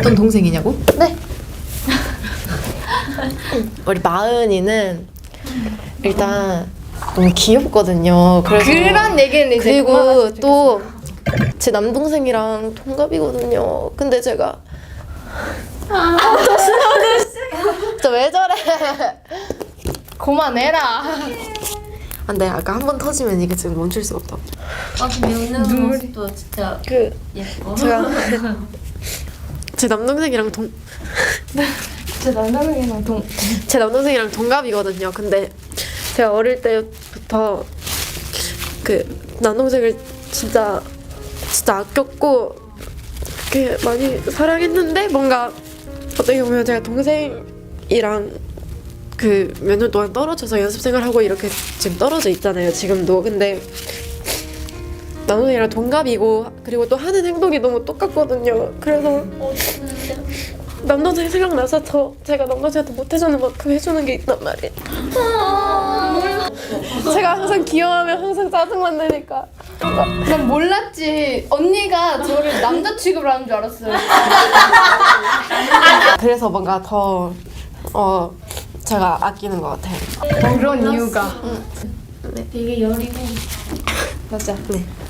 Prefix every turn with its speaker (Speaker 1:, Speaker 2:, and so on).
Speaker 1: 어떤 동생이냐고?
Speaker 2: 네.
Speaker 1: 우리 마은이는 일단 너무 귀엽거든요. 그래서
Speaker 2: 그런 얘기는 이제
Speaker 1: 그리고
Speaker 2: 그만하시면
Speaker 1: 또 제 남동생이랑 동갑이거든요. 근데 제가 저 왜 저래?
Speaker 2: 그만해라.
Speaker 1: 안돼, 아까 한 번 터지면 이게 지금 멈출 수가 없다.
Speaker 3: 아 근데 웃는 모습도 진짜
Speaker 1: 그
Speaker 3: 예뻐.
Speaker 1: 제가 제 남동생이랑 제 남동생이랑 동갑이거든요. 근데 제가 어릴 때부터 그 남동생을 진짜 아꼈고 그렇게 많이 사랑했는데, 뭔가 어떻게 보면 제가 동생이랑 그 몇 년 동안 떨어져서 연습생을 하고 이렇게 지금 떨어져 있잖아요, 지금도. 근데 남동생이랑 동갑이고 그리고 또 하는 행동이 너무 똑같거든요. 그래서 남동생 생각나서 제가 남동생한테 못해주는 만큼 해주는 게 있단 말이에요. 제가 항상 귀여워하면 항상 짜증만 내니까.
Speaker 2: 난 몰랐지. 언니가 저를 남자 취급을 하는 줄 알았어요.
Speaker 1: 그래서 뭔가 더 제가 아끼는 것 같아요.
Speaker 2: 그런 이유가.
Speaker 3: 되게 여리고
Speaker 2: 맞아.
Speaker 1: 네.